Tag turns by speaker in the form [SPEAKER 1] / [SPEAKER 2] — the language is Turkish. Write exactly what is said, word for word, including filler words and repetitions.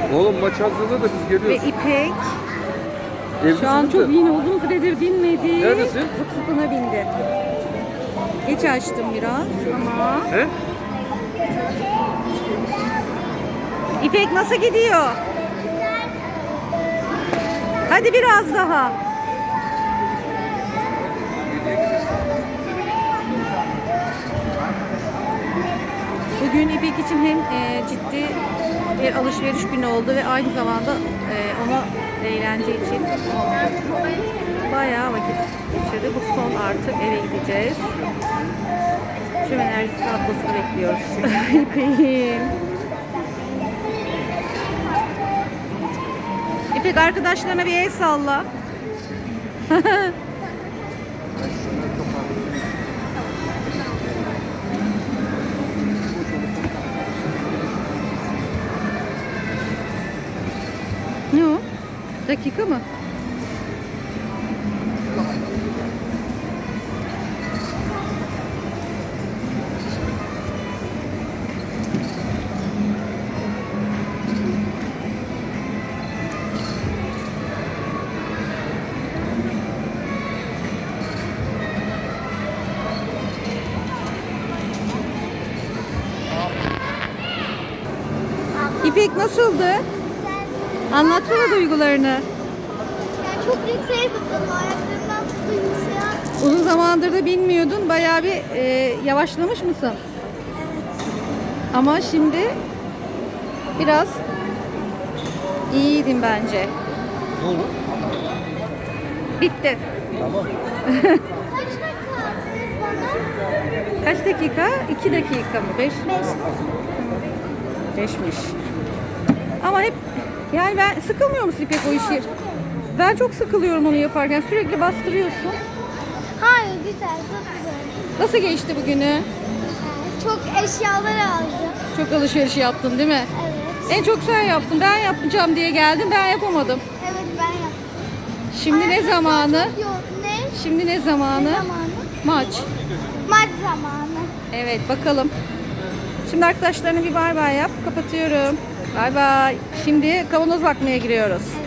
[SPEAKER 1] Oğlum maç hazırlığı da biz
[SPEAKER 2] Ve
[SPEAKER 1] geliyoruz.
[SPEAKER 2] İpek
[SPEAKER 1] Evlisiniz
[SPEAKER 2] şu an çok
[SPEAKER 1] de.
[SPEAKER 2] yine uzun süredir binmedi.
[SPEAKER 1] Neredesin?
[SPEAKER 2] Zıp zıpına bindi. Geç açtım biraz ama.
[SPEAKER 1] He?
[SPEAKER 2] İpek nasıl gidiyor? Hadi biraz daha. Bugün İpek için hem e, ciddi bir alışveriş günü oldu ve aynı zamanda e, ona eğlence için bayağı vakit geçirdi. Bu son artık eve gideceğiz. Tüm enerjisini atmasını bekliyoruz. İpek'im. İpek arkadaşlarına bir el salla. Ne o? Dakika mı? İpek nasıldı? Anlatsana duygularını.
[SPEAKER 3] Yani çok yükseğe zıpladım. Ayaklarımdan tuttu yükseğe.
[SPEAKER 2] Uzun zamandır da bilmiyordun. Bayağı bir e, yavaşlamış mısın?
[SPEAKER 3] Evet.
[SPEAKER 2] Ama şimdi biraz iyiydin bence.
[SPEAKER 1] Ne oldu?
[SPEAKER 2] Bitti.
[SPEAKER 1] Tamam.
[SPEAKER 3] Kaç dakika attınız bana?
[SPEAKER 2] Kaç dakika? İki dakika mı? Beş?
[SPEAKER 3] Beş.
[SPEAKER 2] Beşmiş. Ama hep yani ben sıkılmıyor musun İpek o işi? Ben çok sıkılıyorum onu yaparken. Sürekli bastırıyorsun.
[SPEAKER 3] Hayır güzel, çok güzel.
[SPEAKER 2] Nasıl geçti bugünü?
[SPEAKER 3] Çok eşyalar aldım.
[SPEAKER 2] Çok alışveriş yaptın değil mi?
[SPEAKER 3] Evet.
[SPEAKER 2] En çok sen yaptın. Ben yapacağım diye geldim. Ben yapamadım.
[SPEAKER 3] Evet ben yaptım.
[SPEAKER 2] Şimdi ne
[SPEAKER 3] Ayaklarım
[SPEAKER 2] zamanı?
[SPEAKER 3] Yok ne?
[SPEAKER 2] Şimdi ne zamanı?
[SPEAKER 3] Ne zamanı?
[SPEAKER 2] Maç.
[SPEAKER 3] Maç zamanı.
[SPEAKER 2] Evet bakalım. Şimdi arkadaşlarına bir bay bay yap. Kapatıyorum. Bay bay. Şimdi kavanoz bakmaya giriyoruz.